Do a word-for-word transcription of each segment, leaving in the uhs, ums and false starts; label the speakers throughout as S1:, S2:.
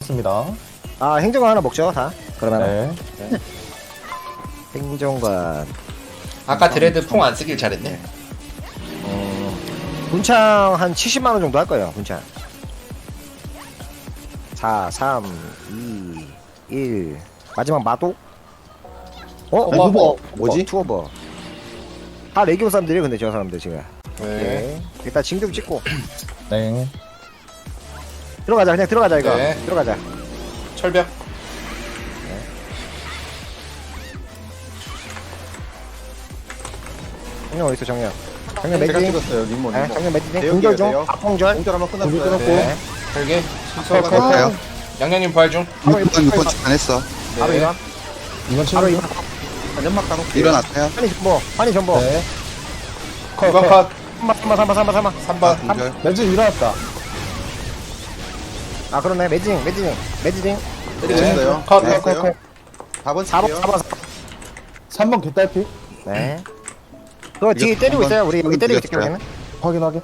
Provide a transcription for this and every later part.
S1: 먹습니다.
S2: 아 행정관 하나 먹죠 다. 그러면
S1: 네.
S2: 행정관.
S3: 아까 드레드 풍 안 쓰길 잘했네.
S2: 어, 분창 한 칠십만 원 정도 할 거예요. 분창. 사, 삼, 이, 일. 마지막 마도? 어?
S3: 어머,
S2: 후보.
S4: 뭐지?
S2: 투어버. 다 레기온 사람들이에요. 근데 저 사람들 지금.
S3: 네.
S2: 네. 일단 징금 찍고
S1: 네.
S2: 들어가자. 그냥 들어가자 이거.
S3: 네.
S2: 들어가자.
S3: 철벽.
S2: 정령 어딨어 정령. 정령
S4: 제가
S2: 매진.
S4: 찍었어요 리모
S2: 네,
S4: 리모.
S2: 정령 매진.
S4: 대역이에요,
S2: 공절 중.
S4: 대역.
S2: 악공절.
S4: 공절 한번
S1: 공절
S4: 끝났어요.
S1: 끊었고.
S2: 네.
S3: 별개.
S2: 컷, 컷, 컷.
S4: 컷.
S3: 양양님 부활 중.
S2: 바로
S5: 육 번, 육 번
S2: 이번.
S5: 안 했어.
S2: 바로
S3: 네.
S2: 이번.
S1: 이번
S2: 바로
S1: 치료.
S2: 이번.
S4: 연막 까놓을게요.
S5: 일어났어요.
S2: 환희 전보. 환희 전보.
S1: 네.
S3: 이 번 컷.
S2: 삼번 삼번 삼번 삼번 삼번.
S3: 삼 번.
S5: 공절.
S1: 렌즈 일어났다.
S2: 아 그러네. 매진 매진 매진.
S4: 때리셨어요.
S3: 컷.
S5: 네.
S2: 컷, 컷, 컷.
S4: 사 번
S2: 사 번
S4: 칠게요.
S2: 사 번.
S1: 삼 번 개딸피.
S2: 네. 그거 뒤에
S5: 이거
S2: 때리고
S5: 한번
S2: 있어요. 우리 여기 때리고 있을게
S5: 드렸어요.
S2: 우리는.
S1: 확인 확인.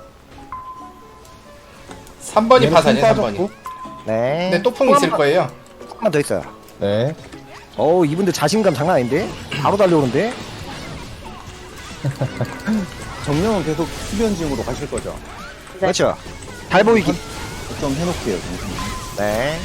S3: 삼 번이
S1: 얘는
S3: 파산이에요.
S1: 품
S3: 삼 번이.
S1: 빠졌고.
S2: 네.
S3: 근데 또 풍 있을 거예요.
S2: 한번 더 있어요.
S1: 네.
S2: 어우 이분들 자신감 장난 아닌데? 바로 달려오는데?
S4: 정령은 계속 수변징으로 가실 거죠?
S2: 그렇죠. 잘 보이기.
S4: 좀 해놓을게요. 정신.
S2: 네.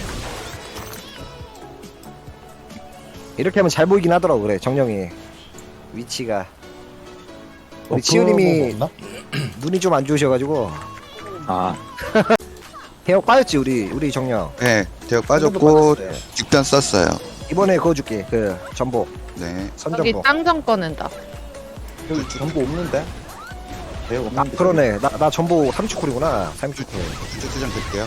S2: 이렇게 하면 잘 보이긴 하더라고 그래 정령이. 위치가. 우리
S1: 어,
S2: 치우님이
S1: 그거 뭐
S2: 눈이 좀 안 좋으셔가지고
S4: 아
S2: 대역 빠졌지 우리 우리 정령.
S5: 네, 대역 빠졌고 직변 썼어요.
S2: 이번에 그거 줄게 그 전복
S5: 네.
S6: 여기
S2: 선전복.
S6: 짱정 꺼낸다.
S4: 여기 전부 없는데? 대역
S2: 아
S4: 없는데.
S2: 그러네. 나 나 전복 삼 축쿨이구나. 삼 축쿨.
S5: 주주장 될게요.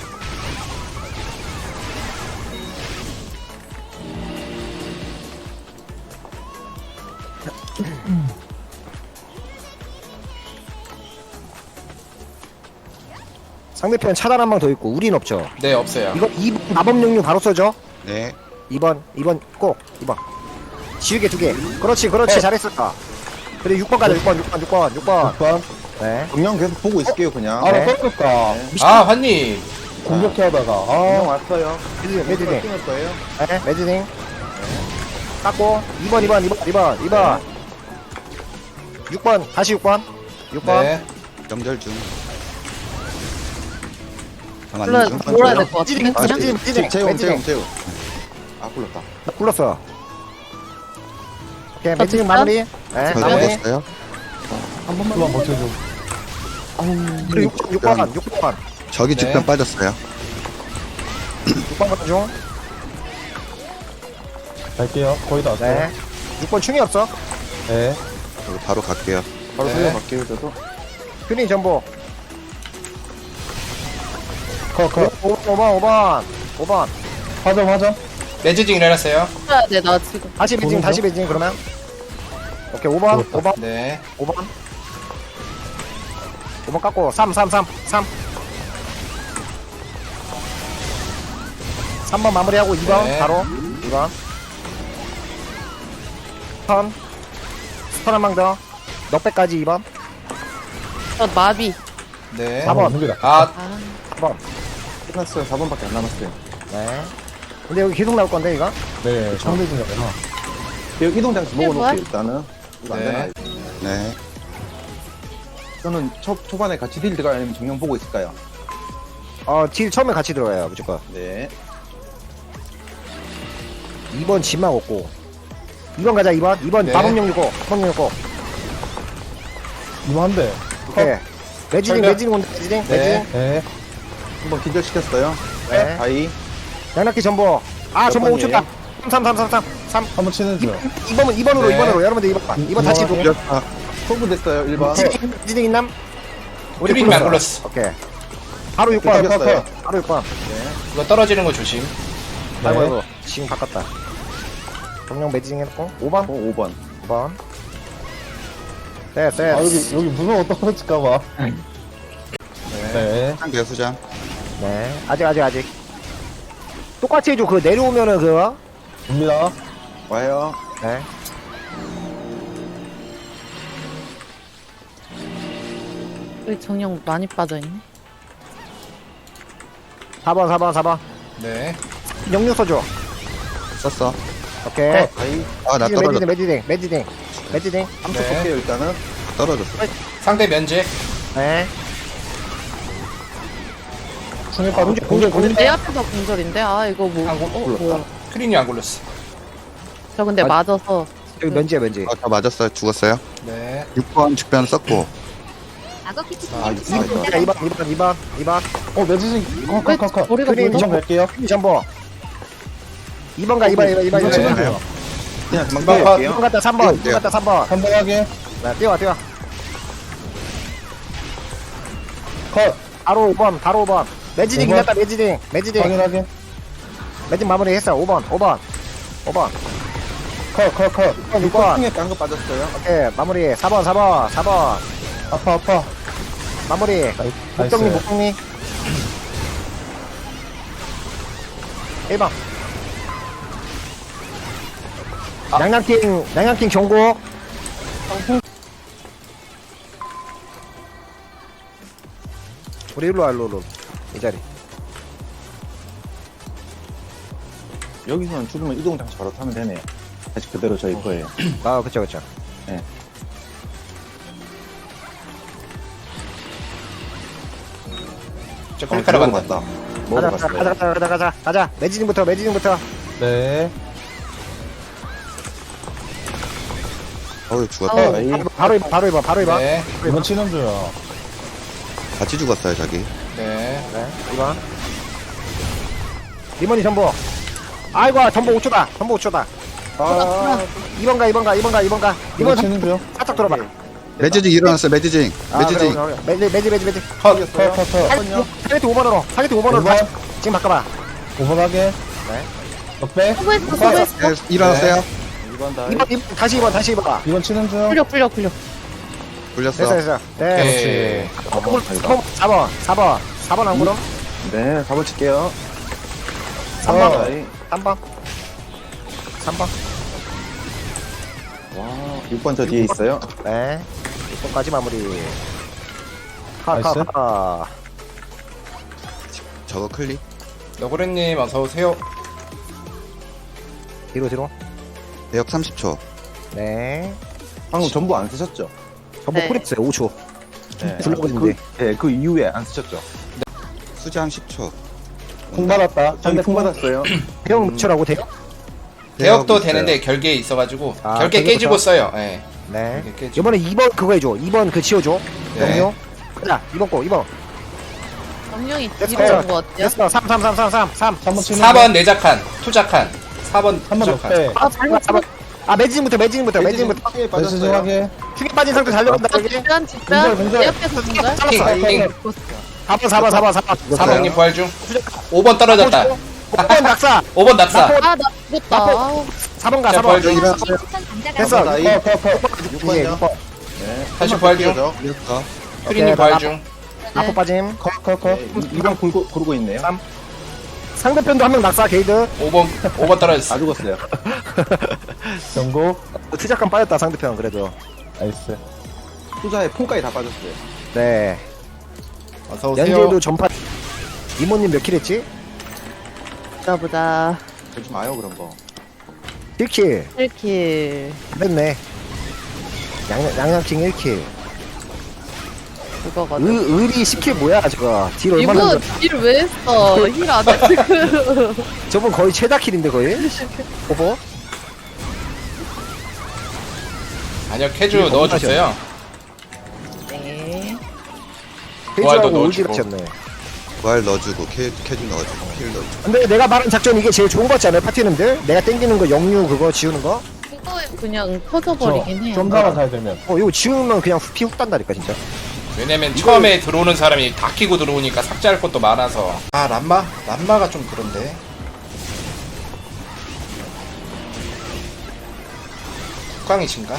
S2: 상대편 차단 한 방 더 있고 우린 없죠.
S3: 네, 없어요.
S2: 이거 이 번 마법 용류 바로 써줘.
S5: 네.
S2: 이 번 이 번 꼭 이 번 지우개 두개. 그렇지 그렇지
S3: 네.
S2: 잘했었다. 그래 육 번 가자 육 번 육 번 육 번 육 번.
S1: 육 번.
S2: 네.
S4: 정령 계속 보고 있을게요 그냥.
S1: 아,
S2: 네.
S1: 나 떨어졌다.
S3: 아, 환님.
S1: 공격해 하다가.
S4: 정령
S1: 아.
S4: 왔어요.
S2: 매드닝 매드닝.
S4: 할 거예요.
S2: 네 매드닝. 깎고 이 번 이 번 이 번 이 번 이 번. 육 번 다시 육 번. 육 번.
S3: 네.
S5: 명절 중. 전
S6: 몰라,
S5: 아니면
S6: 몰아야 될 것
S2: 매드닝
S6: 같은데.
S2: 매드닝 매드닝
S4: 재움
S2: 매드닝.
S4: 재움 재움. 아 불렀다.
S2: 나 불렀어. 오케이
S6: 저
S2: 매드닝
S6: 진짜?
S2: 마무리. 네
S5: 저
S2: 마무리.
S5: 먹었어요.
S4: 한 번만.
S1: 한번 버텨줘.
S2: 그리고 육 번 육 번
S5: 저기
S3: 네.
S5: 직변 빠졌어요.
S2: 육 번 가는 중.
S1: 갈게요. 거의 다 왔어요.
S2: 네. 육 번 충이 없어.
S1: 네.
S5: 그리고 바로 갈게요.
S4: 바로
S3: 네.
S4: 살려갈게요 저도.
S2: 휴닝 전보.
S1: 컷, 컷.
S2: 오 번 오 번 오 번.
S1: 화점, 화점.
S3: 레즈징 일어났어요.
S6: 해야 돼, 나 지금.
S2: 다시 매진
S1: 보는
S2: 다시
S1: 중?
S2: 매진 그러면. 오케이 오 번
S1: 좋았다.
S2: 오 번
S3: 네.
S2: 오 번. 오 번 깎고 삼 삼 삼 삼. 삼 번 마무리하고 이 번
S3: 네.
S2: 바로 이 번. 스턴. 스턴 한 방 더. 넉백까지 이 번.
S6: 저 마비.
S3: 네.
S2: 사 번.
S1: 준비다.
S3: 아,
S6: 아,
S2: 사 번.
S4: 끝났어요. 사 번밖에 안 남았어요.
S2: 네. 근데 여기 계속 나올 건데 이거?
S1: 네. 상대 중이구나.
S4: 여기 이동장치
S6: 이게
S4: 먹어놓을게요 일단은. 이거 안
S3: 네.
S4: 되나?
S5: 네.
S4: 저는 초, 초반에 같이 딜 들어가요 아니면 정령 보고 있을까요?
S2: 어, 딜 처음에 같이 들어가요 무조건.
S4: 네.
S2: 이 번 집만 없고. 이 번 가자 이 번. 이 번
S3: 네.
S2: 마법용 유고. 마법용 유고.
S1: 이거 한 대.
S2: 오케이. 매지딩
S3: 철벽.
S2: 매지딩 온다 매지딩
S3: 네.
S2: 매지딩.
S1: 네.
S4: 한번 기절시켰어요.
S2: 네.
S4: 다이.
S2: 양락기 전보. 아
S4: 몇
S2: 전보 오
S4: 번이에요?
S2: 쳤다. 삼 삼 삼 삼 삼.
S1: 한번 치는 중.
S2: 이 번은 이 번으로
S3: 네.
S2: 이 번으로 여러분들 이 번. 이 번 다시
S1: 이번
S2: 두.
S5: 아,
S4: 소부 됐어요 일 번.
S2: 매지딩 매지딩 있남?
S3: 퓨링 안 굴렀어.
S2: 오케이. 바로 육 번.
S4: 겼어요
S2: 바로 육 번.
S3: 이거 떨어지는 거 조심.
S1: 네.
S2: 아이고 아이고. 지금 바꿨다. 정령 매지딩 했고 오 번.
S4: 어, 오 번.
S2: 오 번. 네, 네.
S1: 아, 여기, 여기 무서워 떨어질까봐.
S3: 네.
S1: 네.
S5: 상대요 수장.
S2: 네. 아직 아직 아직. 똑같이 해줘. 그 내려오면은 그거.
S1: 옵니다.
S4: 와요.
S2: 네.
S6: 여기 정령 많이 빠져있네.
S2: 사 번 사 번 사 번.
S3: 네.
S2: 영유 써줘.
S5: 썼어.
S2: 오케이.
S1: 컷.
S5: 아, 나
S2: 매지딩,
S5: 떨어졌어.
S2: 매지딩, 매지딩, 매지딩.
S4: 함수
S3: 네.
S4: 볼게요, 일단은.
S5: 떨어졌어.
S3: 상대 면제.
S2: 네.
S1: 충에 빠져.
S2: 공절, 공절, 공절.
S6: 내 앞에서 공절인데? 아, 이거 뭐.
S3: 안 굴-
S6: 어, 뭐야.
S3: 크린이 안 굴렀어.
S6: 저 근데
S2: 아,
S6: 맞아서.
S2: 여기 면지야, 면지.
S5: 아, 저 맞았어요. 죽었어요.
S3: 네.
S5: 육 번 축변 썼고.
S4: 아,
S2: 야, 이 번, 이 번, 이 번, 이 번.
S1: 어, 매지징. 컷,
S6: 왜
S1: 컷, 컷, 컷.
S6: 머리가
S2: 그린
S6: 멀어?
S1: 이점 갈게요.
S2: 이 전보. 이 번 가, 이 번, 이 번, 이 번, 이
S1: 이번
S2: 번.
S1: 치는
S5: 네.
S1: 중.
S4: 그냥 금방
S3: 이번
S4: 뛰어갈게요.
S2: 이번 갔다 삼 번, 이번 갔다 삼 번.
S1: 한 번 하게.
S2: 네, 뛰어, 뛰어.
S1: 컷.
S2: 바로 오 번, 바로 오 번. 매지딩
S1: 오 번.
S2: 이겼다, 매지딩. 매지딩.
S1: 확인하게.
S2: 매진 마무리 했어. 오 번, 오 번. 오 번.
S1: 컷, 컷, 컷.
S2: 육 번, 육 번.
S4: 풍에 깐거 빠졌어요.
S2: 오케이, 마무리. 사 번, 사 번, 사 번.
S1: 아파, 아파.
S2: 마무리. 목동리,
S1: 나이스.
S2: 목동리. 일 번.
S3: 아.
S2: 양양킹, 양양킹 경고. 우리 일로 와, 일로, 일로. 이 자리.
S4: 여기서는 죽으면 이동 장치 바로 타면 되네요. 다시 그대로 저희 거예요.
S2: 아, 그쵸, 그쵸.
S3: 저
S4: 어,
S3: 클릭하러
S4: 먹으러
S3: 간다.
S4: 갔다.
S2: 가자,
S4: 먹으러
S2: 가자,
S4: 갔어요.
S2: 가자, 가자, 가자, 가자. 매지딩부터, 매지딩부터.
S1: 네.
S5: 어우, 죽었다.
S6: 아우.
S4: 저희
S2: 바로 이번, 바로 이번, 바로 이번.
S3: 네.
S1: 이번 치는 중.
S5: 같이 죽었어요, 저기.
S3: 네.
S2: 네, 이번. 리머니 전보. 아이고, 전보 오 초다. 전보 오 초다.
S4: 아,
S2: 이번 가, 이번 가, 이번 가, 이번 가.
S1: 이번
S2: 이번
S1: 치는 중.
S2: 살짝 들어봐.
S5: 매지징 일어났어요, 매지징.
S2: 아,
S5: 매지징.
S2: 그래, 그래, 그래. 매지, 매지, 매지, 매지.
S3: 컷.
S1: 컷, 컷, 컷.
S2: 타겟 오 번으로. 타겟 오 번으로.
S1: 오 번.
S2: 다시. 지금 바꿔봐.
S1: 오 번 하게.
S2: 네.
S1: 넉배.
S6: 수고했어,
S1: 컷.
S6: 수고했어.
S5: 네, 일어났어요.
S4: 이번 다.
S2: 이번, 이번, 다시 이번, 다시 이번 가.
S1: 이번 치는 중.
S6: 풀려, 풀려, 풀려.
S5: 굴렸어.
S2: 됐어, 됐어. 네.
S3: 오케이.
S2: 홈, 홈, 사 번, 사 번. 사 번 안 그럼?
S4: 네, 사 번 칠게요.
S2: 삼 번.
S1: 어.
S4: 저희.
S2: 삼 번. 삼 번.
S4: 와, 육 번 저 뒤에 있어요.
S2: 네. 육 번까지 마무리. 카, 카,
S1: 나이스.
S2: 카.
S5: 저거 클릭.
S3: 너구리님 어서 오세요.
S2: 뒤로, 뒤로.
S5: 대역 삼십 초.
S2: 네.
S4: 방금 전부 안 쓰셨죠?
S2: 전부
S6: 네.
S2: 프리스요 오 초.
S4: 네.
S2: 굴러가고
S4: 그,
S2: 있는데.
S4: 네, 그 이후에 안 쓰셨죠?
S5: 수장 십 초.
S1: 콩 받았다.
S4: 저희 풍 받았어요.
S2: 대형 무초라고 돼요?
S3: 대역도
S5: 있어요.
S3: 되는데 결계에 있어가지고
S2: 아,
S3: 결계
S2: 결계부터?
S3: 깨지고 써요. 예.
S2: 네.
S3: 결계 깨지고.
S2: 이번에 이 번 그거 해줘. 이 번 그 지워줘.
S3: 네.
S2: 영요. 가자. 이 번 거, 이 번.
S6: 정령이
S2: 됐어.
S6: 뒤로 온거 같아요.
S2: 됐어. 삼, 삼, 삼, 삼, 삼, 삼.
S1: 한 번 치는
S3: 사 번 내작한 투작한 사 번
S1: 한 번
S3: 투작한.
S1: 넉배.
S6: 아, 잘못
S2: 아, 아, 매진부터, 매진부터, 매진부터.
S4: 풍에
S1: 매지징
S4: 빠졌어요.
S1: 하게.
S2: 충에 빠진 상태 달려간다,
S6: 아,
S2: 여기.
S6: 집단, 집단.
S1: 공절, 공절.
S6: 내 앞에서 공절.
S3: 킹, 킹.
S2: 사 번, 사 번, 사 번, 사 번.
S3: 사번님 부활 중. 오 번 떨어졌다.
S2: 오 번 낙사.
S3: 오 번 낙사.
S6: 아, 나 죽었다. 아우.
S2: 사 번 가,
S3: 자,
S2: 사 번.
S3: 부활 중.
S2: 됐어.
S4: 나이.
S1: 컷, 컷, 컷.
S4: 육 번이요.
S2: 육 번.
S4: 네.
S3: 다시 부활 중.
S5: 굴렸어.
S3: 크린님
S2: 오케이,
S3: 부활
S2: 나-
S3: 중.
S2: 나포 빠짐.
S1: 컷, 컷, 컷.
S4: 네, 이 번 고르고, 고르고 있네요.
S2: 삼. 상대편도 한 명 낙사, 게이드.
S3: 오 번 오 번 떨어졌어.
S4: 다 죽었어요.
S1: 경고.
S2: 투작감 빠졌다, 상대편, 그래도.
S1: 나이스.
S4: 투자에 풍까지 다 빠졌어요.
S2: 네.
S3: 어서 오세요.
S2: 연계도 전파. 이모님 몇 킬 했지?
S6: 보자, 보자.
S4: 그러지 마요, 그런 거.
S2: 일 킬.
S6: 일 킬.
S2: 됐네. 양, 양양킹 일 킬.
S6: 그거거든.
S2: 의, 의리 십 킬 뭐야, 저거. 딜 얼마나.
S6: 이거
S2: 줬-
S6: 딜을 왜 했어? 힐 안 해, 지금.
S2: 저분 거의 최다 킬인데, 거의? 오버?
S3: 아니요 캐주 넣어줬어요.
S6: 네.
S3: 부활도
S2: 페이지하고
S3: 넣어주고.
S2: 올킬 하셨네.
S5: 부활 넣어주고, 캐, 캐주 넣어주고, 킬 넣어주고.
S2: 근데 내가 말한 작전 이게 제일 좋은 거 같지 않아요, 파티는들? 내가 땡기는 거 영유 그거 지우는 거?
S6: 그거에 그냥 터져버리긴 해요.
S1: 좀 살아 잘 되면.
S2: 어, 이거 지우면 그냥 피 훅 단다니까, 진짜.
S3: 왜냐면 처음에 들어오는 사람이 다 끼고 들어오니까 삭제할 것도 많아서. 아 람마? 람마가 좀 그런데. 국강이신가?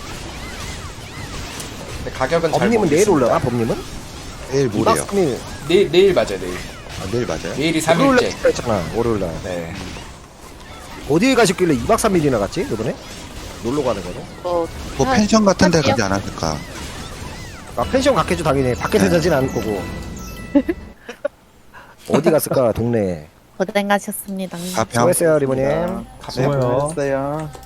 S3: 근데 가격은 잘
S2: 법님은 내일
S3: 모르겠습니다.
S2: 올라가, 법님은?
S5: 내일 모레요.
S2: 이박삼일
S3: 내일 내일 맞아요 내일.
S5: 아, 내일 맞아요?
S3: 내일이
S2: 월요일날
S3: 삼 일째.
S2: 찍다 했잖아, 월요일날.
S3: 네.
S2: 어디에 가셨길래 이박 삼일이나 갔지, 이번에? 놀러 가는 거는?
S6: 뭐,
S5: 뭐
S6: 한-
S5: 펜션 같은 데
S6: 할게요.
S5: 가지 않았을까?
S2: 아, 펜션 갔겠죠, 당연히. 밖에서 자진 않을 거고. 어디 갔을까, 동네에.
S6: 고생하셨습니다.
S5: 가평.
S2: 수고했어요 리버님.
S1: 수고요.
S4: 수고했어요.